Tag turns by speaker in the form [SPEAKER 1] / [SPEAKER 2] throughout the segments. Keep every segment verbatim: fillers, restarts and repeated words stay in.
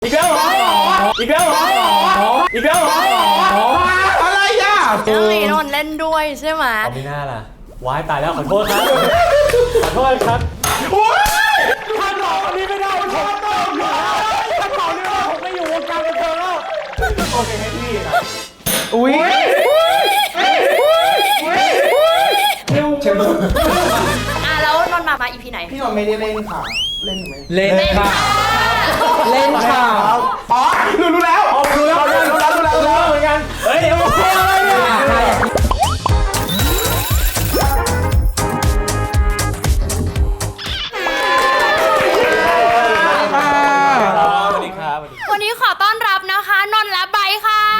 [SPEAKER 1] อีกแล้วเหรออีกแล้วเหรออีกแล้วเหรออะไรอ่ะ
[SPEAKER 2] เอ้ยนนท์เล่นด้วยใช่ไหม
[SPEAKER 3] เอาไม่น่าล่ะว้ายตายแล้วขอโทษครับขอโทษครับ
[SPEAKER 1] โอ้ยท่านบอกอันนี้ไม่ได้ท่านบอกอยู่ท่านบอกนี่ว่าผมไม่อยู่วงการบันเทิงแล้วโอเคให้พี่นะอุ้ย
[SPEAKER 2] เชื่ออ่ะแล้วนนท์มามาอีพีไหน
[SPEAKER 1] พี่นนท์ไม่ได้เล่นค่ะเล่นไหม
[SPEAKER 3] เล่นค่ะ
[SPEAKER 1] เล่นค่ะอ๋อรู้รู้แล้วรู้แล้วรู้แล้วรู้แล้วรู้แล้วเหมือนกันเฮ้ยเดี๋ยวอะไรเนี่ย
[SPEAKER 2] วันนี้ขอต้อนรับนะคะนนท์และไบร์ทค่ะ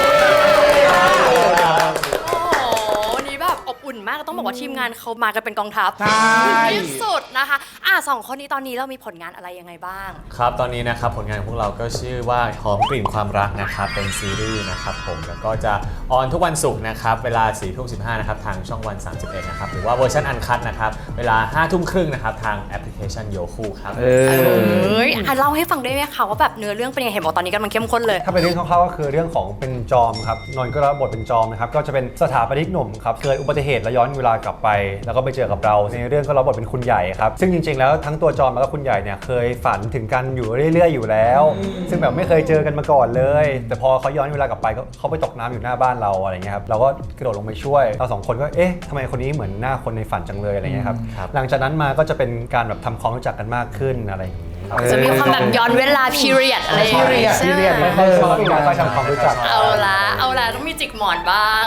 [SPEAKER 2] โอ้โหวันนี้แบบอบอุ่นมากต้องบอกว่าทีมงานเขามากันเป็นกองทัพที่สุดนะคะอ่ะสองคนนี้ตอนนี้เรามีผลงานอะไรยังไงบ้าง
[SPEAKER 3] ครับตอนนี้นะครับผลงานของพวกเราก็ชื่อว่าหอมกลิ่นความรักนะครับเป็นซีรีส์นะครับผมแล้วก็จะออนทุกวันศุกร์นะครับเวลาสี่ทุ่มสิบห้านะครับทางช่องวันสามสิบเอ็ดนะครับหรือว่าเวอร์ชันอันคัทนะครับเวลาห้าทุ่มครึ่งนะครับทางแอปพลิเคชันโยคูครับ
[SPEAKER 2] เอออ่ะเล่าให้ฟังได้ไหมคะว่าแบบเนื้อเรื่องเป็นยังไงเห็นบอกตอนนี้กำลังเข้มข้นเลย
[SPEAKER 4] ถ้าเป็นเรื่องคร่าวๆก็คือเรื่องของเป็นจอมครับนนท์ก็รับบทเป็นจอมนะครับก็จะเป็นสถาปนิกหนุ่มครับเกิดอุบัติเหตุและย้อนเวลากลับไปแล้วก็ไปเจอกับเราในเรื่องก็รับบทเป็นคุณใหญ่ครับซึ่งจริงๆแล้วทั้งตัวจอมแล้วก็คุณใหญ่เนี่ยเคยฝันถึงกันอยู่เรื่อยๆอยู่แล้วซึ่งแบบไม่เคยเจอกันมาก่อนเลยแต่พอเขาย้อนเวลากลับไปก็เขาไปตกน้ำอยู่หน้าบ้านเราอะไรเงี้ยครับเราก็กระโดดลงไปช่วยเราสองคนก็เอ๊ะทำไมคนนี้เหมือนหน้าคนในฝันจังเลยอะไรเงี้ยครับหลังจากนั้นมาก็จะเป็นการแบบทำความรู้จักกันมากขึ้นอะไรอย่างนี้
[SPEAKER 2] จะมีความแบบย้อนเวลา period อะไรอย่างเงี้ยใช่ไหม
[SPEAKER 4] ไม่ชอบการทำความรู้จัก
[SPEAKER 2] เอาละเอาละต้องมีจิกหมอนบ้าง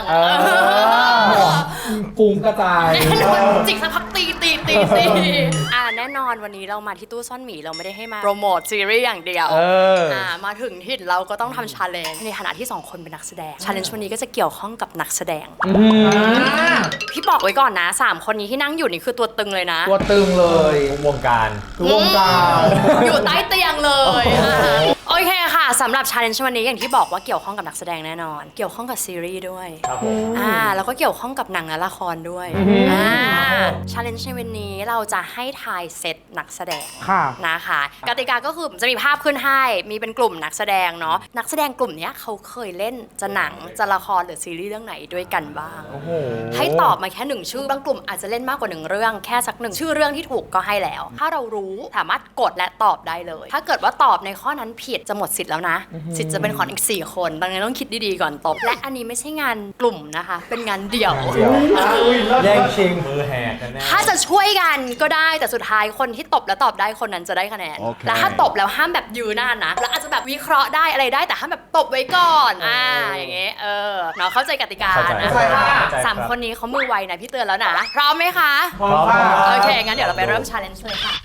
[SPEAKER 1] กุ้งกระจาย
[SPEAKER 2] จิกสักพักตีตีตีตีอ่าแน่นอนวันนี้เรามาที่ตู้ซ่อนหมีเราไม่ได้ให้มาโปรโมทซีรีส์อย่างเดียวอ่ามาถึงถิ่นเราก็ต้องทำชาเลนจ์ในฐานะที่สองคนเป็นนักแสดงชาเลนจ์วันนี้ก็จะเกี่ยวข้องกับนักแสดงพี่บอกไว้ก่อนนะสามคนนี้ที่นั่งอยู่นี่คือตัวตึงเลยนะ
[SPEAKER 1] ตัวตึงเล
[SPEAKER 3] ยวงการ
[SPEAKER 1] วงการ
[SPEAKER 2] อยู่ใต้เตียงเลยโอเคค่ะสำหรับชาเลนจ์วันนี้อย่างที่บอกว่าเกี่ยวข้องกับนักแสดงแน่นอนเกี่ยวข้องกับซีรีส์ด้วย
[SPEAKER 3] ครับผม
[SPEAKER 2] อ่าแล้วก็เกี่ยวข้องกับหนังและละครด้วยอ่าชาเลนจ์ในวันนี้เราจะให้ทายเซตนักแสดงนะคะกติกาก็คือจะมีภาพขึ้นให้มีเป็นกลุ่มนักแสดงเนาะนักแสดงกลุ่มนี้เขาเคยเล่นจะหนังจะละครหรือซีรีส์เรื่องไหนด้วยกันบ้างให้ตอบมาแค่หนึ่งชื่อบางกลุ่มอาจจะเล่นมากกว่าหนึ่งเรื่องแค่สักหนึ่งชื่อเรื่องที่ถูกก็ให้แล้วถ้าเรารู้สามารถกดและตอบได้เลยถ้าเกิดว่าตอบในข้อนั้นผิดจะหมดสิทธิ์แล้วนะสิทธิ์จะเป็นของอีกสี่คนดังนั้นต้องคิดดีๆก่อนตอบและอันนี้ไม่ใช่งานกลุ่มนะคะเป็นงานเดี่ยว
[SPEAKER 4] แย่งชิง
[SPEAKER 3] มือแหกกันแน่
[SPEAKER 2] ถ้าจะช่วยกันก็ได้แต่สุดท้ายคนที่ตบและตอบได้คนนั้นจะได้คะแนนและถ้าตบแล้วห้ามแบบยืนหน้านะแล้วอาจจะแบบวิเคราะห์ได้อะไรได้แต่ห้ามแบบตบไว้ก่อนอ่าอย่างเงี้ยเออเนาะเข้าใจกติกานะคะสามคนนี้เขามือไวนะพี่เตือนแล้วนะพร้อมไหมคะ
[SPEAKER 1] พร้อมค่ะ
[SPEAKER 2] โอเคงั้นเดี๋ยวเราไปเริ่ม challenge เลยค่ะ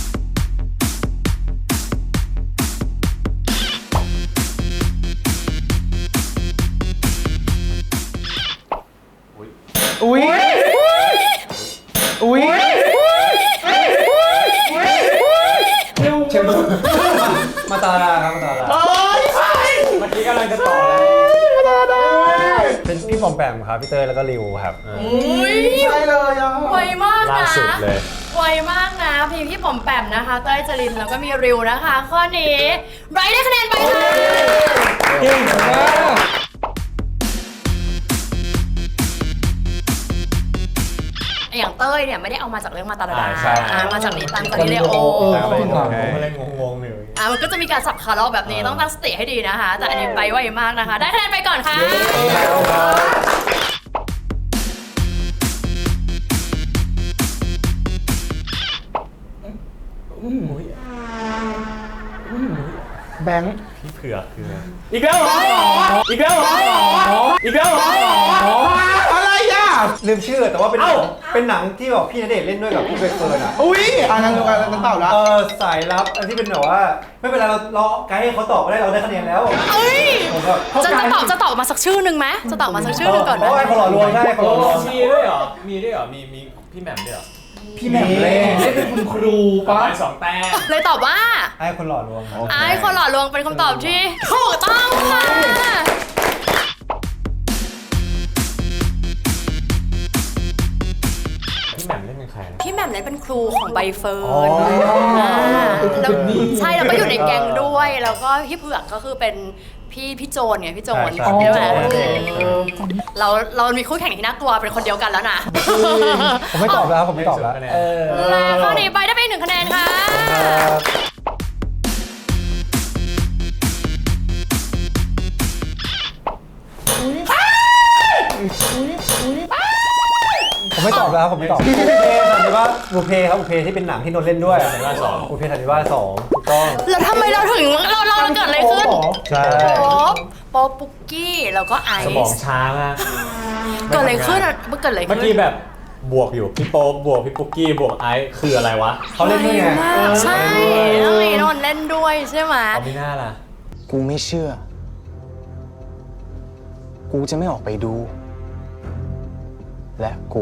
[SPEAKER 1] อุ้ยอุ้ย
[SPEAKER 4] เชมมาตาดาครับมาตาดา
[SPEAKER 3] เมื่อกี้กำลังจะต่อแล้ว
[SPEAKER 4] เป็นพี่ปอมแปมครับพี่เตยแล้วก็ริวครับ
[SPEAKER 2] อุ้ย
[SPEAKER 1] ใช่เลยอ่ะ
[SPEAKER 2] ไวมากนะ
[SPEAKER 3] ล่าสุดเลย
[SPEAKER 2] ไวมากนะพี่พี่ปอมแปมนะคะเต้ยจรินแล้วก็มีริวนะคะข้อนี้ไบรท์ได้คะแนนไปค่ะ
[SPEAKER 1] เก่งมาก
[SPEAKER 2] อย่างเต้ยเนี่ยไม่ได้เอามาจากเรื่องมาตาดามาจากนี้ตังกาลิเลโอ
[SPEAKER 3] ผมก็เลยงงๆอยู่
[SPEAKER 2] อ่ะมันก็จะมีการสับขาเราแบบนี้ต้องตั้งสติให้ดีนะคะแต่อันนี้ไปไวมากนะคะได้คะแนนไปก่อนค่ะ
[SPEAKER 1] แบงค์
[SPEAKER 3] พี่เผือกคือ
[SPEAKER 1] อีกแล้วเหรออีกแล้วเหรออีกแล้วเหรออะไรอ่ะ
[SPEAKER 4] ลืมชื่อแต่ว่าเป็นเป็นหนังที่แบบพี่ณเดชน์เล่นด้วยกับพี่ใบเฟิร์นอ่ะ
[SPEAKER 1] อุ้ยอ่านกันดูกันกันเต่าละ
[SPEAKER 4] เออสายลับอันที่เป็นแบบว่าไม่เป็นไรเราเราไกด์ให้เขาตอบก็ได้เราได้คะแนนแล้ว
[SPEAKER 2] เอ้ยจะจะตอบจะตอบมาสักชื่อหนึ่งไหมจะตอบมาสักชื่อหนึ่งก่อนไหม
[SPEAKER 4] เพราะว่าคนหล่อลวงได้คนหล่อลวง
[SPEAKER 3] มีด้วยเหรอมีด้วยเหรอมีมีพี่แหม่มด้วยเหรอ
[SPEAKER 1] พี่แหม่มเล่นเป็นคุณครูปะ
[SPEAKER 3] สองแต้ม
[SPEAKER 2] เลยตอบว่า
[SPEAKER 4] ไอ้คนหล่อลวง
[SPEAKER 2] ไอ้คนหล่อลวงเป็นคำตอบที่ถูกต้องค่ะ
[SPEAKER 3] พี่แหม่มเล่นเป็นใครนะ
[SPEAKER 2] พี่แหม่มเล่นเป็นครูของใบเฟิร์นอ่าแล้วใช่แล้วก็อยู่ในแก๊งด้วยแล้วก็พี่เผือกก็คือเป็นพี่พี่โจนไงพี่โจน
[SPEAKER 4] ใช่
[SPEAKER 2] ใช่ไหม
[SPEAKER 4] ใช่
[SPEAKER 2] เราเรามีคู่แข่งที่น่ากลัวเป็นคนเดียวกันแล้วนะ
[SPEAKER 4] ผมไม่ตอบแล้วผมไม่ตอบแล้ว
[SPEAKER 3] เออ
[SPEAKER 2] และข้อนี้ไปได้ไปหนึ่งคะแนนค่ะ
[SPEAKER 4] ผมไม่ตอบแล้วครับผมไม่ตอบบุพเพสันนิวาสบุพเพครับบุพเพที่เป็นหนังที่นนท์เล่นด้วย
[SPEAKER 3] สันนิวาสสอง
[SPEAKER 4] บุพเพสันนิวาสสองถูกต้อง
[SPEAKER 2] แล้วทำไมเราถึงเราเราเกิดอะไรขึ้น
[SPEAKER 4] ใช่
[SPEAKER 2] โป๊ปโป๊ปปุกกี้แล้วก็ไอ
[SPEAKER 3] สมอง
[SPEAKER 2] ซ์
[SPEAKER 3] ช้ามาก
[SPEAKER 2] เกิดอะไรขึ้นอะเกิดอะไรขึ้น
[SPEAKER 3] เมื่อกี้แบบบวกอยู่พี่โป๊ปบวกพี่ปุ๊กกี้บวกไอซ์คืออะไรวะ
[SPEAKER 4] เขาเล่นด้วยไง
[SPEAKER 2] มากใช่แล้วมีนนท์เล่นด้วยใช่ไหม
[SPEAKER 3] เอาไม่น่าล่ะ
[SPEAKER 5] กูไม่เชื่อ กูจะไม่ออกไปดู และกู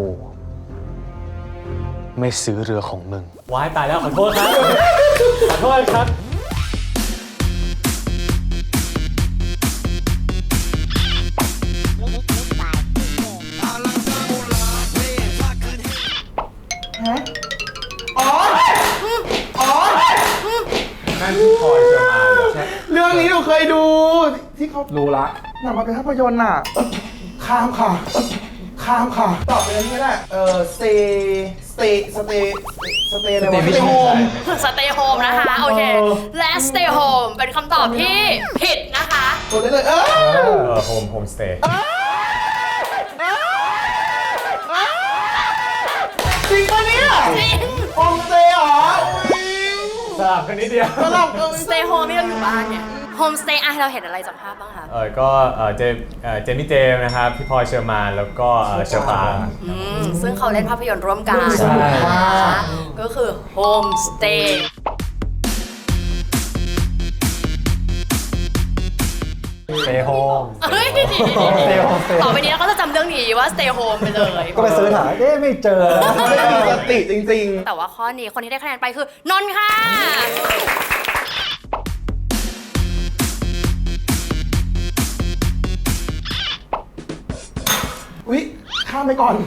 [SPEAKER 5] ไม่ซื้อเรือของมึง
[SPEAKER 3] ว้ายตายแล้วขอโทษครับ ขอโทษครับ นั่นพี่พลอยเชอร์มานเหรอ
[SPEAKER 1] เรื่องนี้หนูเคยดูที่เขารู้ละหนังมาเป็นภาพยนตร์น่ะข้ามค่ะข้ามค่ะตอบไปเลยนี่ก็ได้เออ stay stay stay stay อะไรวะ stay home
[SPEAKER 2] สเตย์โฮมนะคะ โอเค และ stay home เป็นคำตอบที่ผิดนะคะ
[SPEAKER 1] กดได้เลยเออ
[SPEAKER 3] เออโฮมโฮมสเตย์
[SPEAKER 1] จริงปะเนี่ย
[SPEAKER 2] จริง
[SPEAKER 1] โฮมสเตย์เหรอ
[SPEAKER 3] สลับกันนิดเดียว
[SPEAKER 1] สลับกัน
[SPEAKER 2] stay home ที่เราอยู่บ้านเนี่ย home stay อ่ะเราเห็นอะไรจากภาพบ้างคะ
[SPEAKER 3] เออก็เออเจมเออเจมี่เจมส์นะครับ พี่พลอยเชอร์มาน แล้วก็เออเชอร์ปาง
[SPEAKER 2] อืมซึ่งเขาเล่นภาพยนตร์ร่วมกัน
[SPEAKER 1] ใช่
[SPEAKER 2] นะคะก็คือ home stay
[SPEAKER 4] เ stay home
[SPEAKER 2] เฮ้ย
[SPEAKER 4] stay home stay
[SPEAKER 2] ต่อไปนี้เราก็จะจำเรื่องนี้ว่า stay home ไปเลย
[SPEAKER 4] ก็ไปเสิร์ชหาเอ๊ะไม่เจอแล้ว
[SPEAKER 1] ไม่มีสติจริง
[SPEAKER 2] แต่ว่าข้อนี้คนที่ได้คะแนนไปคือนนท์ค่ะ
[SPEAKER 1] ๆอุ๊ยข้ามไปก่อน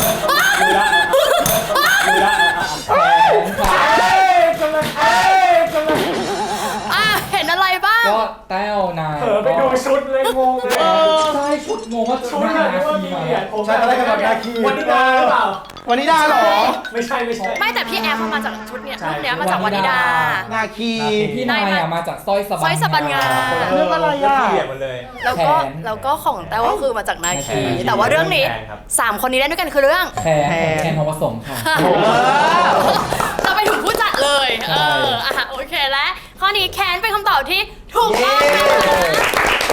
[SPEAKER 2] อ่ะเห็นอะไรบ้าง
[SPEAKER 6] ก็แต้วนาย
[SPEAKER 3] เออไปดูชุดเลยงงเลย
[SPEAKER 6] ใช่ชุดงงว่าชุดหน้าทีมา
[SPEAKER 4] ใช่อะไรกันแบบนาคี
[SPEAKER 3] วันนิดาหรือเปล่า
[SPEAKER 1] วันนี้ได้เหรอ
[SPEAKER 3] ไม่ใช่ไม่ใช่
[SPEAKER 2] ไม่แต่พี่แอฟมาจากชุดเนี้ย
[SPEAKER 3] ใช่
[SPEAKER 2] ชุดเนี้ยมาจากวานิดา
[SPEAKER 1] นาคี
[SPEAKER 6] พี่นายอะมาจากสร้อยสะบัน
[SPEAKER 2] สร้อยสะบันงา
[SPEAKER 1] เรื่องอะไรอ่ะ
[SPEAKER 3] เกลียดมันเลย
[SPEAKER 2] แล้วก็
[SPEAKER 6] แขน
[SPEAKER 2] แล้วก็ของแต้วก็คือมาจากนาคี
[SPEAKER 6] แขน
[SPEAKER 2] แต่ว่าเรื่องนี้
[SPEAKER 3] แขนครับ
[SPEAKER 2] สามคนนี้เล่นด้วยกันคือเรื่อง
[SPEAKER 6] แทนของแทนทองผสมค่ะ
[SPEAKER 2] เราไปถึงผู้จัดเลย เอออ่ะโอเคและข้อนี้แคนเป็นคำตอบที่ถูกต้องค่ะ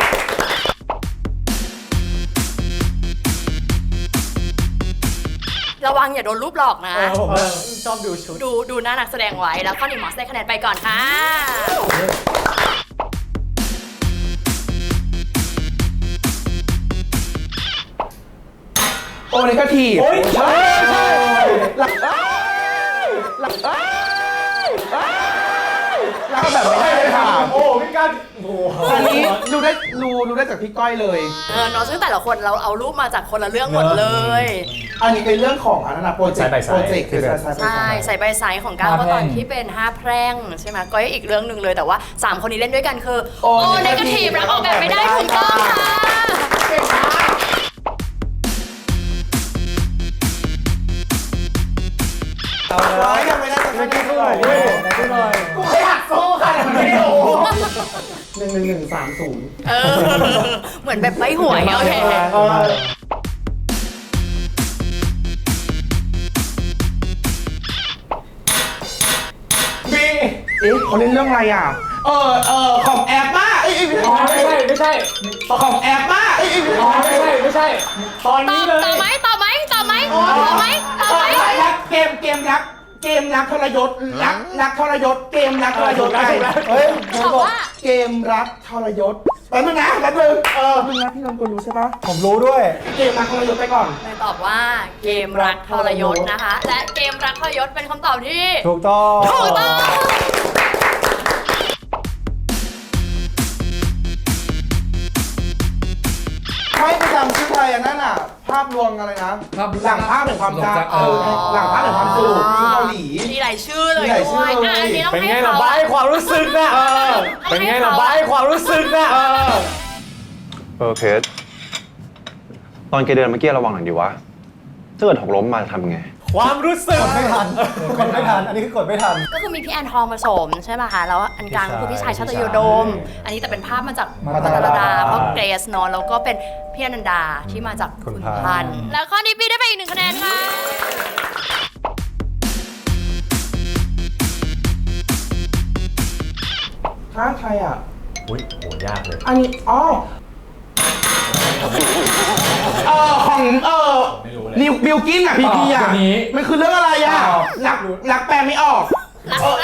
[SPEAKER 2] ระวังอย่าโดนรูปหลอกนะ
[SPEAKER 3] เออผมว่าชอบดูชุด
[SPEAKER 2] ดูดูหน้านักแสดงไว้ แล้วข้อนี้หมอสได้คะแนนไปก่อนค่ะ
[SPEAKER 1] โอ้นี่ก็ทีบ
[SPEAKER 3] โอ้ยใช่ใช่
[SPEAKER 1] หลักอ้ายหลักอ้ายอ้ายแล้วก็แบบไม่ได้เลยค่ะ
[SPEAKER 3] โอ้พี่กันโอ้โห
[SPEAKER 1] อันนี้ดูได้ดูดูได้จากพี่ก้อยเลย
[SPEAKER 2] เออเนาะซึ่งแต่ละคนเราเอารูปมาจากคนละเรื่องหมดเลย
[SPEAKER 1] อันนี้เป็นเรื่องของอันนั้นนะโปรเจกต์โปรเจกต์คือ
[SPEAKER 2] ใช่ใส่ใบไซส์ของก้าวก็ตอนที่เป็นห้าแพร่งใช่ไหมก็อีกเรื่องหนึ่งเลยแต่ว่าสามคนนี้เล่นด้วยกันคือโอ้เนกาทีฟรักออกแบบไม่ได้ถูกต้องค่ะ
[SPEAKER 1] เก่งมากเอาเลยยังไม่ได้จะคะแนนเท่าไหร่กูแค่อยากสู้ค่ะแต่มันไม่รู้หนึ่งหนึ่งหนึ่งสามศูนย์
[SPEAKER 2] เออเหมือนแบบใบหวยโอเค
[SPEAKER 1] บีเอ๊ะเขาเล่นเรื่องอะไรอ่ะ เออเออของแอปมาเอ้ยไม่
[SPEAKER 3] อ๋อ
[SPEAKER 1] ใช่
[SPEAKER 3] ไม่ใช่ไม่ใช่
[SPEAKER 1] ของแอปมาเอ้ยไม่
[SPEAKER 3] อ๋อ
[SPEAKER 1] ใช่
[SPEAKER 3] ไม่ใช่ไม่ใช่ ตอน
[SPEAKER 2] ตอ
[SPEAKER 3] นี้
[SPEAKER 2] บ
[SPEAKER 3] เลย
[SPEAKER 2] ต่อไหมต่อไหมต่อไหมต่อไหมต่อไหม
[SPEAKER 1] รักเกมเกมรักเกมรักทรยศรักรักทรยศเกมรักทรยศไงเฮ้ย
[SPEAKER 2] ตอบว่า
[SPEAKER 1] เกมรักทรยศแป๊บนึงนะแป๊บนึงเออแป๊บนึงนะพี่นนท์คุณรู้ใช่ปะ
[SPEAKER 4] ผมรู้ด้วย
[SPEAKER 1] เกมรักทรยศไปก่อน
[SPEAKER 2] เลยตอบว่าเกมรักทรยศนะคะ และเกมรักทรยศเป็นคำตอบที่
[SPEAKER 4] ถูกต้อง
[SPEAKER 2] ถูกต้อง
[SPEAKER 1] ไม่ไปจำชื่อไทยอันนั้นอ่ะภาพลวงอะไรนะ
[SPEAKER 6] ภาพ
[SPEAKER 1] หลังภาพแห่งความจำ
[SPEAKER 6] เออ
[SPEAKER 1] หลังภาพแห่งความสุขที่เกาหลี
[SPEAKER 2] มีหลายชื่อเลย
[SPEAKER 1] มีหลายชื่
[SPEAKER 2] ด้
[SPEAKER 1] อ
[SPEAKER 2] วย
[SPEAKER 1] เลย
[SPEAKER 2] อ่ะอันนี้ต้อง
[SPEAKER 3] เป็น
[SPEAKER 2] ให้
[SPEAKER 3] ไง
[SPEAKER 2] เขา
[SPEAKER 3] ล่ะบ้าให้ความรู้สึกนะเออเป็นไงล่ะบ้าให้ความรู้สึกนะเออ
[SPEAKER 4] เออเพชรตอนแกเดินเมื่อกี้ระวังหน่อยดิวะถ้าเกิดหกล้มมาจะทำไง
[SPEAKER 3] ความรู้สึก
[SPEAKER 4] ไม่ทันกดไม่ทัน อันนี้คือกดไม่ทัน
[SPEAKER 2] ก็คือมีพี่แอนทองผสมใช่ป่ะคะแล้วอันกลางก็คือพี่ชายชาตยโดม อันนี้แต่เป็นภาพมาจาก
[SPEAKER 4] มา
[SPEAKER 2] มา
[SPEAKER 4] จาก
[SPEAKER 2] ตาลดา
[SPEAKER 4] มา
[SPEAKER 2] เพราะเกรซเนอะแล้วก็เป็นพี่อนันดาที่มาจาก
[SPEAKER 4] คุ
[SPEAKER 2] คุณ
[SPEAKER 4] ณพันธุ์
[SPEAKER 2] พันธุ์แล้วข้อนี้พี่ได้ไปอีกหนึ่งคะแนนค่ะ
[SPEAKER 1] ท้าใครอ่ะ
[SPEAKER 3] อุ้ยโหยากเลย
[SPEAKER 1] อันนี้ อ๋อเออของเออ
[SPEAKER 3] ไม่รู้เลย
[SPEAKER 1] นิวบิลกินอ่ะพีพีอ่ะ
[SPEAKER 6] อ๋อคนนี้
[SPEAKER 1] มันคือเรื่องอะไรอ่ะ
[SPEAKER 6] อ๋อ
[SPEAKER 1] รักรักแปลไม่ออก
[SPEAKER 2] รัก
[SPEAKER 1] เออ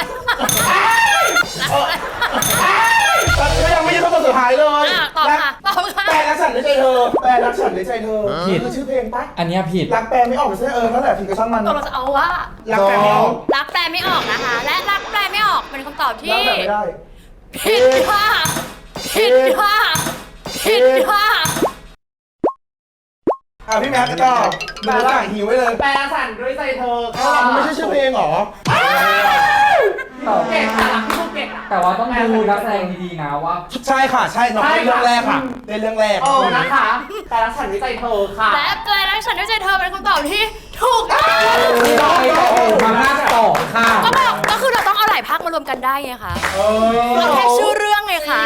[SPEAKER 1] ก็ยังไม่ใช่ข้อสุดท้ายเลย
[SPEAKER 2] อ่ะตอบ
[SPEAKER 1] รัก
[SPEAKER 2] ค่ะตอบค่ะ
[SPEAKER 1] แปลรักฉันด้วยใจเธอ แปลรักฉันด้วยใจเธอ
[SPEAKER 6] ผิด
[SPEAKER 1] คือชื่อเพลงปะ
[SPEAKER 6] อันเนี้ยผิด
[SPEAKER 1] รักแปลไม่ออกใช่เออนั่นแหละผิดก็ช่างมัน
[SPEAKER 2] ตกลงจะเอาว่า
[SPEAKER 1] รักแปลไม่ออก
[SPEAKER 2] รักแปลไม่ออกนะคะ และรักแปลไม่ออกเป็นคำตอบที่
[SPEAKER 1] รักแบบไม่ได้
[SPEAKER 2] ผิดค่ะผิดค่ะผิดค่ะ
[SPEAKER 1] อ่ะพี่แม็กซ์ก็แปลสั่งหิวไว้เลย
[SPEAKER 7] แปลสั่นด้วยใจเธอ
[SPEAKER 1] เอ้ามันไม่ใช่ชื่อเพลงเหรอ
[SPEAKER 7] เก่งค่ะพี่ภูเก็ตอ่ะ
[SPEAKER 6] แต่ว่าต้องดูนักแสดงดีๆนะว่า
[SPEAKER 1] ใช่ค่ะ ใช่น้องเล่นเรื่องแรกค่ะเล่นเรื่องแรก
[SPEAKER 7] เออนะคะแปลสั่นด้วยใจเธอค่ะ
[SPEAKER 2] และแปลรักฉันด้วยใจเธอเป็นคำตอบที่ถูกต้อง
[SPEAKER 6] มาภาคสองค่ะ
[SPEAKER 2] ก็บอกก็คือเราต้องเอาหลายภาคมารวมกันได้ไงคะเราแค่ชื่อเรื่องไงคะ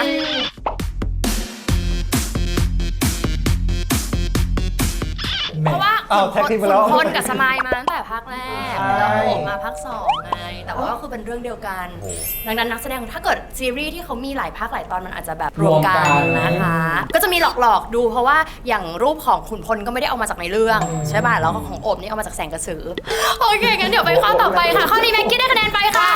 [SPEAKER 2] เพราะว่า
[SPEAKER 4] อ้าวแท็กทีมไปแล้ว
[SPEAKER 2] ขุนพลกับสมายมาตั้งแต่ภาคแรก แล้วผมมาภาคสองไง แต่ว่าก็คือเป็นเรื่องเดียวกัน ดังนั้นนักแสดงถ้าเกิดซีรีส์ที่เขามีหลายภาคหลายตอนมันอาจจะแบบรวมกันนะคะ ก็จะมีหลอกๆดูเพราะว่าอย่างรูปของขุนพลก็ไม่ได้เอามาจากในเรื่องใช่ป่ะ แล้วก็ของโอบนี่เอามาจากแสงกระสือ โอเคงั้นเดี๋ยวไปข้อต่อไปค่ะ ข้อนี้แม็กกี้ได้คะแนนไปค่ะ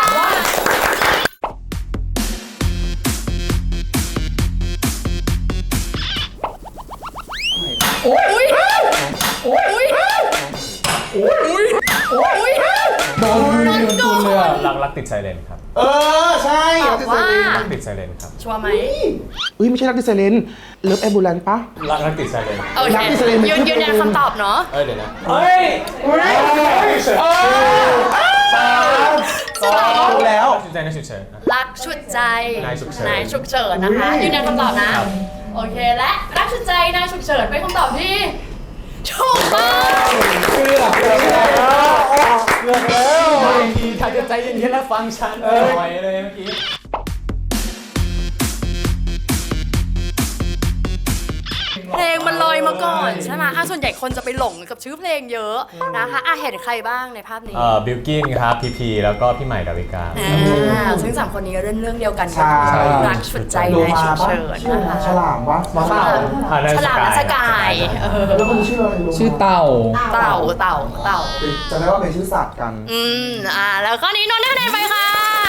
[SPEAKER 2] โอ้ยอุ้ยอุ้ยอุ้ยอุ้ยอุ้ย
[SPEAKER 6] โดนยืนตุนเลยอะ
[SPEAKER 3] รักรักติดไซเรนครับ
[SPEAKER 1] เออ ใช่
[SPEAKER 2] ตอบว่า
[SPEAKER 3] รักติดไซเรนครับ
[SPEAKER 2] ชัวร์ไหม
[SPEAKER 1] อุ้ยไม่ใช่รักดิเซเลนเลิฟแอมบูเลนปะ
[SPEAKER 3] รักรักติดไซเรน
[SPEAKER 2] โอเค
[SPEAKER 1] รักที่แสดงเป็น
[SPEAKER 2] ยืนยืนยันคำตอบเนาะ
[SPEAKER 3] เอ้ยเดี๋ยวนะ
[SPEAKER 1] เฮ้ยอุ้ยเออตอบถูกแล้ว
[SPEAKER 3] ชุดใจนะชุดเฉินนะ
[SPEAKER 2] รักชุดใจ
[SPEAKER 3] นายฉุกเฉิน
[SPEAKER 2] นายฉุกเฉินนะคะ ยืนยันคำตอบนะ โอเค และรักชุดใจนายฉุกเฉินเป็นคำตอบที่ถูกต้อง
[SPEAKER 6] เกือบเกือบแล้ว
[SPEAKER 3] เกือบแล้วดีถ้าจะใจเย็นๆแล้วฟังฉันหน่อยเลยเมื่อกี้
[SPEAKER 2] เพลงมันลอยมาก่อนใช่ไหมอ่ะส่วนใหญ่คนจะไปหลงกับชื่อเพลงเยอะนะคะอ่ะเห็นใครบ้างในภาพนี้
[SPEAKER 3] เอ่อบิลกินครับพีพีแล้วก็พี่ใหม่ดาวิกา
[SPEAKER 2] อ่าซึ่งสามคนนี้เรื่องเรื่องเดียวกันก็คือ
[SPEAKER 1] ใช่
[SPEAKER 2] รักฉุดใจ
[SPEAKER 1] โล
[SPEAKER 2] นาย
[SPEAKER 1] มา
[SPEAKER 2] ฉุก
[SPEAKER 1] ปะ
[SPEAKER 2] เฉิน
[SPEAKER 1] ชื่อ
[SPEAKER 2] นะคะ
[SPEAKER 1] ฉลามปะน้องเต่า
[SPEAKER 3] อ่านั่น
[SPEAKER 2] ฉลามและสกายเออ
[SPEAKER 1] แล้วคนชื่ออะไรรู้
[SPEAKER 6] ชื่อเต่า
[SPEAKER 2] เต่าเต่าเต่า
[SPEAKER 1] จะได้ว่าเป็นชื่อสัตว์กัน
[SPEAKER 2] อืมอ่าแล้วข้อนี้นนท์ได้คะแนนไปค่ะ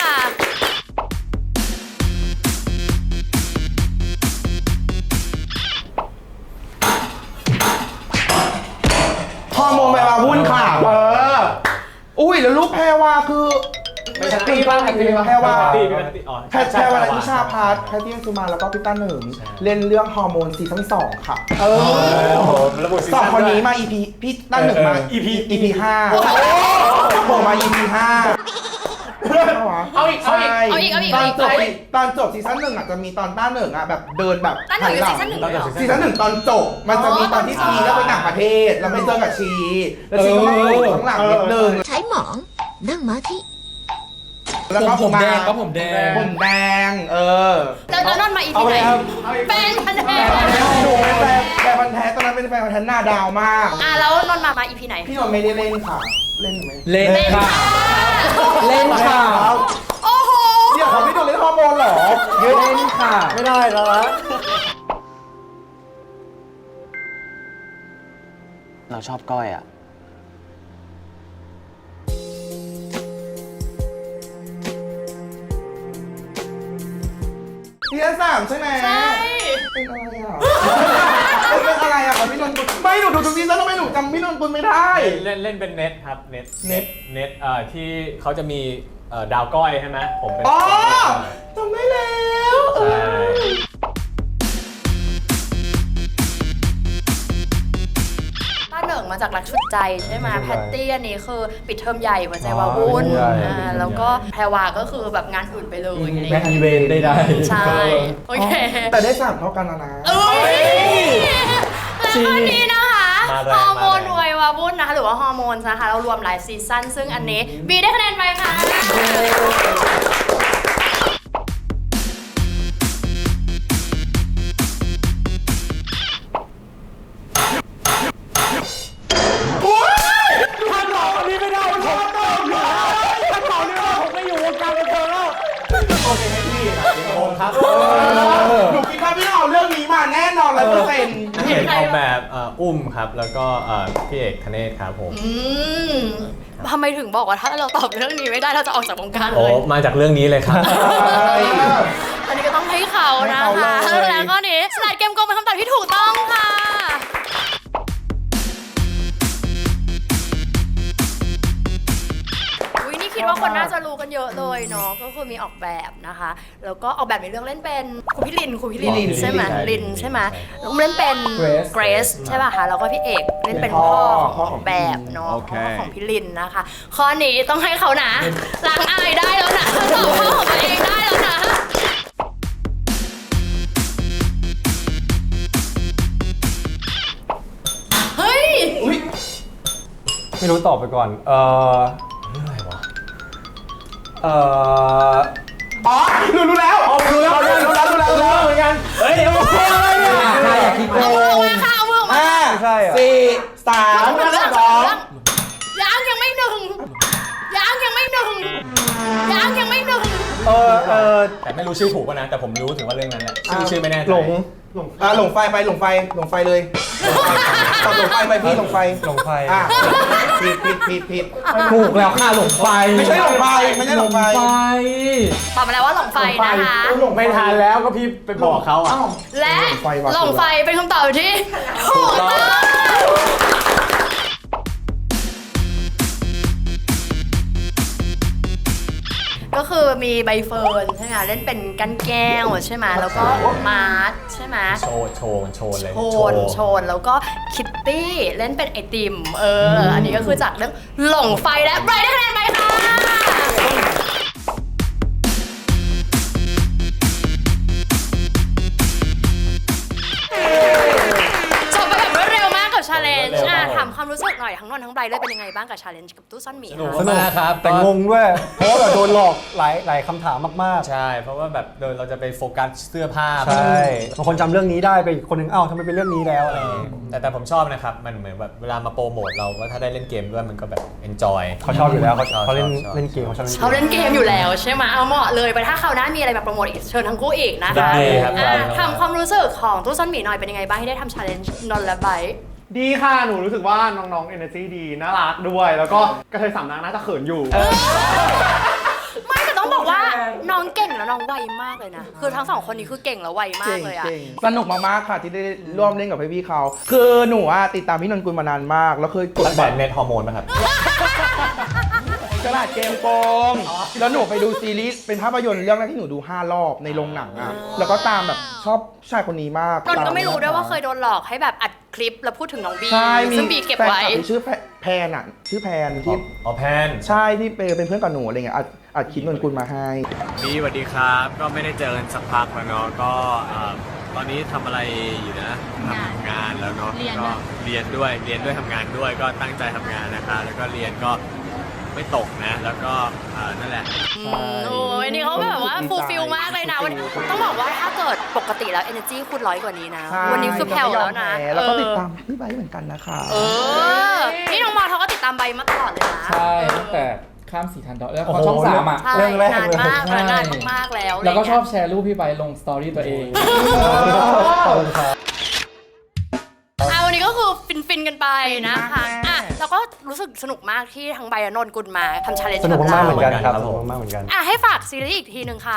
[SPEAKER 1] ฮอร์โมนแปลว่าหุ้นค่ะ เออ อุ้ยแล้วลูกแพรวาคือ
[SPEAKER 3] ไม่ใช่ตีบ้างตีบ้าง
[SPEAKER 1] แพรวา
[SPEAKER 3] ตีเป็นตีอ๋อ
[SPEAKER 1] แพรแพรวานิชาพัฒน์แพทตี้สุมาแล้วก็พี่ต้าหนึ่งเล่นเรื่องฮอร์โมนซีซั่นสองค่ะ เออ
[SPEAKER 3] โอ้โหระบุซี
[SPEAKER 1] สอง
[SPEAKER 3] ซั่
[SPEAKER 1] คนนี้
[SPEAKER 3] ด้วย
[SPEAKER 1] มา อี พี พี่ต้าหนึ่งมา
[SPEAKER 3] อีพี
[SPEAKER 1] อี พีห้าโผล่มา อี พี ห้า
[SPEAKER 7] เอาอีกเอาอีก
[SPEAKER 1] ใช่
[SPEAKER 2] เอาอีกเอาอีก
[SPEAKER 1] ตอ
[SPEAKER 2] เอา
[SPEAKER 1] น
[SPEAKER 2] อีก
[SPEAKER 1] จบตอนจบซีซั่นหนึ่งอ่ะจะมีตอนต้าหนึ่งอ่ะแบบเดินแบบ
[SPEAKER 2] ต้าหนึ่งอยู่ซีซั่นหนึ่งเลยเหรอ
[SPEAKER 1] ซีซั่นหนึ่งตอนจบมันจะมีตอนที่ชีแล้วไปต่างประเทศแล้วไปเจอกับชีแล้วชีก็มาโผล่ข้างหลังนิดนึง
[SPEAKER 8] ใช้หมองนั่งม้าที่
[SPEAKER 1] แล้ว
[SPEAKER 6] ผม
[SPEAKER 1] ก็
[SPEAKER 6] ผมแดงก็ผมแดง
[SPEAKER 1] ผมแดงเออ
[SPEAKER 2] แล้วแล้วนนท์มาอีพีไหนเป็นคะแนน
[SPEAKER 1] หนูเป็นแฟนแฟนพันธุ์แท้ตอนนั้นเป็นแฟนพันธุ์แท้หน้าดาวมาก
[SPEAKER 2] อ่ะแล้วนนท์มามาอีพีไหน
[SPEAKER 1] พี่นนท์ไม่ได้เล่นค่ะ เล่นไหม
[SPEAKER 6] เล่น
[SPEAKER 2] เล่น
[SPEAKER 6] ค่ะ
[SPEAKER 2] ค่ะ
[SPEAKER 6] เล่นค่ะ
[SPEAKER 2] โอ้โห
[SPEAKER 1] เดี๋ยวเขาพี่นนท์เล่นฮอร์โมนเหรอ
[SPEAKER 6] เล่นค่ะ
[SPEAKER 4] ไม่ได้แล้วนะ
[SPEAKER 5] เราชอบก้อยอ่ะ
[SPEAKER 1] ซีซั่นสามใช่ไหม
[SPEAKER 2] ใช่
[SPEAKER 1] เป็นอะไรอ่ะเป็นอะไรอ่ะของพี่นนท์ปุณไม่หนูดูทุกซีซั่นทำไมหนูจำพี่นนท์ปุณไม่ได้
[SPEAKER 3] เล่นเล่นเป็นเน็ตครับเน็ต
[SPEAKER 1] เน็ต
[SPEAKER 3] เน็ตเอ่อที่เขาจะมีเอ่อดาวก้อยใช่ไหมผมเป็น
[SPEAKER 1] อ๋อจำได้แล้วเอ
[SPEAKER 3] ใช่
[SPEAKER 1] อ
[SPEAKER 2] จากรักชุดใจใช่ไหมแพตตี้อันนี้คือปิดเทอมใหญ่หัวใจวาวุ่นอ่าแล้วก็แพรวาก็คือแบบงานอื่นไปเลยอะไรอย่าง
[SPEAKER 6] แม็ก
[SPEAKER 2] เงี้ย
[SPEAKER 6] อีเวนได้ได้
[SPEAKER 2] ใช่โอเค
[SPEAKER 1] แต่ได้สามเท่ากันแล้วนะ
[SPEAKER 2] เอ้ยแล้วก็นี้นะคะ
[SPEAKER 3] มาแรง
[SPEAKER 2] ฮอร์โมน
[SPEAKER 3] มาแรง
[SPEAKER 2] วัยวาวุ่นนะคะหรือว่าฮอร์โมนนะคะเรารวมหลายซีซั่นซึ่งอันนี้บีได้คะแนนไปค่ะ
[SPEAKER 1] หนูคิดว่าพี่เอาเรื่องนี้มาแน่นอนร้อยเปอร์เซ็นต์
[SPEAKER 3] พี่เอกออกแบบเอ่ออุ้มครับ แล้วก็เอ่อพี่เอกธเนศครับผม
[SPEAKER 2] อืมทำไมถึงบอกว่าถ้าเราตอบเรื่องนี้ไม่ได้เราจะออกจากวงการ
[SPEAKER 3] โอ้
[SPEAKER 2] เลย
[SPEAKER 3] มาจากเรื่องนี้เลยครับ
[SPEAKER 2] อันนี้ก็ต้องให้เขานะคะแล้วก็นี้สลัดเกมโกงเป็นคำตอบที่ถูกต้องค่ะอุ๊ยนี่คิดว่าคนน่าจะรู้กันเยอะเลยเนาะก็คือมีออกแบบนะคะ แล้วก็ออกแบบในเรื่องเล่นเป็นครูพี่ลินครูพี่ลิน
[SPEAKER 3] ลิน
[SPEAKER 2] ใช่ไหม
[SPEAKER 3] ใช่
[SPEAKER 2] ลินใช่ไหมแล้วก็เล่นเป็น
[SPEAKER 6] Grace
[SPEAKER 2] เกรซใช่ป่ะคะแล้วก็พี่เอกเล่นเป็นพ่อของออกแบบเนาะพ่อของพี่ลินนะคะ ข้อนี้ต้องให้เขานะล้างอายได้แล้วนะตอบข้อของตัวเองได้แล้วนะเฮ้ย
[SPEAKER 4] ไม่รู้ตอบไปก่อน เออเออ
[SPEAKER 1] อ๋อรู้รู้แล้วอ๋อรู้แล้วรู้แล้วรู้แล้วรู้แล้วเหมือนกันเฮ้ยเอาเพื่อนอะไรเนี่ย
[SPEAKER 6] ใครอยากคิดโก
[SPEAKER 2] เอามือออก
[SPEAKER 6] ง
[SPEAKER 2] มาค่ะเอามือออกมา
[SPEAKER 1] ห้า
[SPEAKER 4] ไม่ใช่อ่ะ
[SPEAKER 1] สี่สาม
[SPEAKER 2] เรื่อง
[SPEAKER 1] สอง
[SPEAKER 2] ยังยังไม่หนึ่งยังยังไม่หนึ่งยังยังไม่หนึ่ง
[SPEAKER 4] เออเออ
[SPEAKER 3] แต่ไม่รู้ชื่อถูกป่ะนะ แต่ผมรู้ถึงว่าเรื่องนั้นแหละชื่อชื่อไม่แน่ใจ
[SPEAKER 4] หลงหลง
[SPEAKER 1] อ่ะหลงไฟไปหลงไฟหลงไฟเลยตอบหลงไฟไปพี่หลงไฟ
[SPEAKER 4] หลงไฟ
[SPEAKER 1] อ่ะผิดผิดผิดผิด
[SPEAKER 6] ถูกแล้วค่ะหลงไฟ
[SPEAKER 1] ไม่ใช่หลงไฟไม่ใช่หลงไฟ
[SPEAKER 2] ตอบมาแล้วว่าหลงไฟนะคะ
[SPEAKER 3] ไม่ทันแล้วก็พี่ไปบอกเขาอ่ะ
[SPEAKER 2] และหลงไฟเป็นคำตอบที่ถูกต้องก็คือมีใบเฟิร์นใช่ไหมเล่นเป็นกันแก้วใช่ไหมแล้วก็มาร์ทใช่ไหม
[SPEAKER 3] โชว์โชว์โชว์เลย
[SPEAKER 2] โชนโชนแล้วก็คิตตี้เล่นเป็นไอติมเอออันนี้ก็คือจากเรื่องหลงไฟและไบรท์ได้คะแนนไปค่ะจบไปแบบรวดเร็วมากกับชาเลนจ์อ่ะถามความรู้สึกหน่อยทั้งนนท์ทั้งไบรท์เลยเป็นยังไงบ้างกับชาเลนจ์กับตู้ซ่อนหมี
[SPEAKER 3] สนุก
[SPEAKER 2] คะ
[SPEAKER 4] สนุก
[SPEAKER 3] มากครับ
[SPEAKER 4] แต่งงด้วย เพราะว่าแบบโดนหลอกหลายหลายคำถามมาก
[SPEAKER 3] ใช่ เพราะว่าแบบโดยเราจะไปโฟกัสเสื้อผ้า
[SPEAKER 4] ๆ ใช่บางคนจำเรื่องนี้ได้ไปอีกคนนึงเอ้าทำไมเป็นเรื่องนี้แล้วอะไรอย่างเงี้ย
[SPEAKER 3] แต่แต่ผมชอบนะครับ มันเหมือนแบบเวลามาโปรโมทเราว่าถ้าได้เล่นเกมด้วยมันก็แบบ enjoy
[SPEAKER 4] เขาชอบอยู่แล้วเขา
[SPEAKER 3] ชอบ
[SPEAKER 4] เขาเล่น
[SPEAKER 3] ชอบ
[SPEAKER 4] เล่นเกมเขาชอบเล่น
[SPEAKER 2] เขาเล่นเกมอยู่แล้วใช่ไหมเอาเหมาะเลยไปถ้าคราวหน้ามีอะไรแบบโปรโมทอีกเชิญทั้งคู่อีกนะคะ
[SPEAKER 3] ได้ครับ
[SPEAKER 2] อ่ะ
[SPEAKER 3] ได้ครับ
[SPEAKER 2] ทำความรู้สึกของตู้ซ่อนหมีหน่อยเป็นยังไงบ้างที่ได้ทำชาเลนจ์นนท์และไบรท์
[SPEAKER 7] ดีค่ะ หนูรู้สึกว่าน้องๆ energy ดี น่ารักด้วย แล้วก็กระเทยสามนางน่าจะเขินอยู่
[SPEAKER 2] ไม่แต่ต้องบอกว่าน้องเก่งแล้วน้องไวมากเลยนะ คือทั้งสองคนนี้คือเก่งแล้วไวมากเลยอะ
[SPEAKER 1] สนุกมากๆค่ะที่ได้ร่วมเล่นกับพี่ๆเขา คือหนูอะติดตามพี่นนท์กุลมานานมาก แล้วเคยกด
[SPEAKER 3] ตั้ง
[SPEAKER 1] บั
[SPEAKER 3] แต่
[SPEAKER 1] ตร
[SPEAKER 3] เน็ตฮอร์โมนป่ะครับ
[SPEAKER 1] ฉลาดเกมโกงแล้วหนูไปดูซีรีส์เป็นภาพยนตร์เรื่องแรกที่หนูดูห้ารอบในโรงหนังอะแล้วก็ตามแบบชอบผู้ชายคนนี้มาก
[SPEAKER 2] นนท์ก็ไม่รู้ด้วยว่าเคยโดนหลอกให้แบบอัดคลิปแล้วพูดถึงน้องบี
[SPEAKER 1] ใช่มี
[SPEAKER 2] ซึ่งบีเก็บไว้
[SPEAKER 1] แฟนคลัที่ชื่อแพแพนอะชื่อแพนที่
[SPEAKER 3] อ๋อแพน
[SPEAKER 1] ใช่ที่เป็นเพื่อนกับหนูอะไรเงี้ยอัดอัดคลิปนนท์กุลมาให้
[SPEAKER 3] พี่สวัสดีครับ ก็ไม่ได้เจอกันสักพักแล้วเนาะ ก็เอ่อตอนนี้ทำอะไรอยู่นะทำงานแล้วเนาะ ก็เรียนด้วย เรียนด้วยทำงานด้วย ก็ตั้งใจทำงานนะคะ แล้วก็เรียนก็ไม่ตกนะ แล้วก็เอ่อนั่นแหละ
[SPEAKER 2] อืมโอ้ยนี่เขาแบบว่าฟูลฟิลมากเลยนะวันต้องบอกว่าถ้าเกิดปกติแล้ว energy คุณร้อยกว่านี้นะ
[SPEAKER 1] ใช่
[SPEAKER 2] วันนี้คือแผ่วแล้วนะ
[SPEAKER 1] แล้วก็
[SPEAKER 2] เออ
[SPEAKER 1] ติดตามพี่ไบร์ทเหมือนกันนะคะ
[SPEAKER 2] เออ นี่น้องมอเขาก็ติดตามใบมาตลอดเลยนะ
[SPEAKER 6] ใช่ตั้งแต่ข้ามสีทันดอกแล้วพอช่องสามอ่ะ
[SPEAKER 2] ใช่
[SPEAKER 4] เรื่องแรก
[SPEAKER 2] นาน
[SPEAKER 4] เลย
[SPEAKER 2] มาก
[SPEAKER 6] ใช่
[SPEAKER 2] นานมากๆแล้ว
[SPEAKER 6] แล้วก็ชอบ
[SPEAKER 2] ะไร
[SPEAKER 6] แชร์รูปพี่ไปลงสตอรี่ตัวเอง
[SPEAKER 4] ขอบคุณครับ
[SPEAKER 2] เงี้ยอ่ะวันนี้ก็คือฟินฟินๆกันไปนะคะอ่ะแล้วก็รู้สึกสนุกมากที่ทั้งใบและนนท์กุลมาทำชาเลนจ์
[SPEAKER 4] สนุก
[SPEAKER 2] กับ
[SPEAKER 4] มากๆ
[SPEAKER 2] เรา
[SPEAKER 4] เหมือนกันครับ
[SPEAKER 3] ครับ
[SPEAKER 4] ส
[SPEAKER 3] ผม
[SPEAKER 4] นุกมากๆเหมือนกัน
[SPEAKER 2] อ่ะให้ฝากซีรีส์อีกทีหนึ่งค่ะ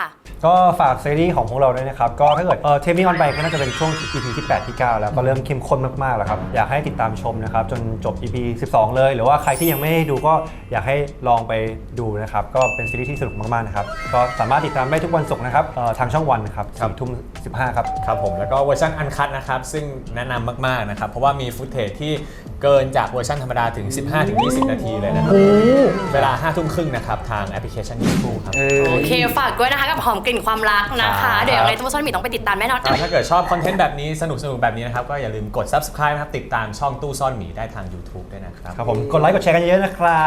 [SPEAKER 4] ก็ฝากซีรีส์ของพวกเราด้วยนะครับก็ถ้าเกิดเออเทปนี้ออนไปก็น่าจะเป็นช่วง อี พี ที่แปดที่เก้าแล้วก็เริ่มเข้มข้นมากๆแล้วครับอยากให้ติดตามชมนะครับจนจบ อี พี สิบสองเลยหรือว่าใครที่ยังไม่ได้ดูก็อยากให้ลองไปดูนะครับก็เป็นซีรีส์ที่สนุกมากๆนะครับก็สามารถติดตามได้ทุกวันศุกร์นะครับเอ่อทางช่องวันนะครับสี่ทุ่มสิบห้าครับ
[SPEAKER 3] ครับผมแล้วก็เวอร์ชันอันคัทนะครับซึ่งแนะนำมากๆนะครับเพราะว่ามีฟุตเทจที่เกินจากเวอร์ชันธรรมดาถึง สิบห้าถึงยี่สิบ นาทีเลยนะครับเวลาห้าทุ่มครึ่งนะครับทางแอปพลิเคชัน YouTube ครับ
[SPEAKER 2] โอเคฝากด้วยนะคะกับหอมกลิ่นความรักนะ
[SPEAKER 3] ครั
[SPEAKER 2] คะ
[SPEAKER 3] บ
[SPEAKER 2] เดี๋ยวยังไงตัวซ่อนหมีต้องไปติดตามแน่นอน
[SPEAKER 3] อ่าถ้าเกิดชอบคอนเทนต์แบบนี้สนุกสนุกแบบนี้นะครับก็อย่าลืมกด Subscribe นะครับติดตามช่องตู้ซ่อนหมีได้ทาง YouTube ด้วยนะครับ
[SPEAKER 4] ครับผมกดไลค์กดแชร์กันเยอะๆนะครับ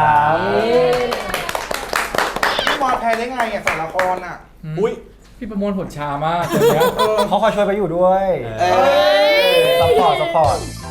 [SPEAKER 1] พี่บอลแพ้ได้ไงอ่ะสารละครอ่ะ
[SPEAKER 3] อุ้ย
[SPEAKER 6] พี่ประมวลผลช้ามากเดี๋ยวนี้
[SPEAKER 4] เขาคอยช่วยไปอยู่ด้วย
[SPEAKER 1] เอ้ย
[SPEAKER 4] ซัพพอร์ตซัพพอร์ต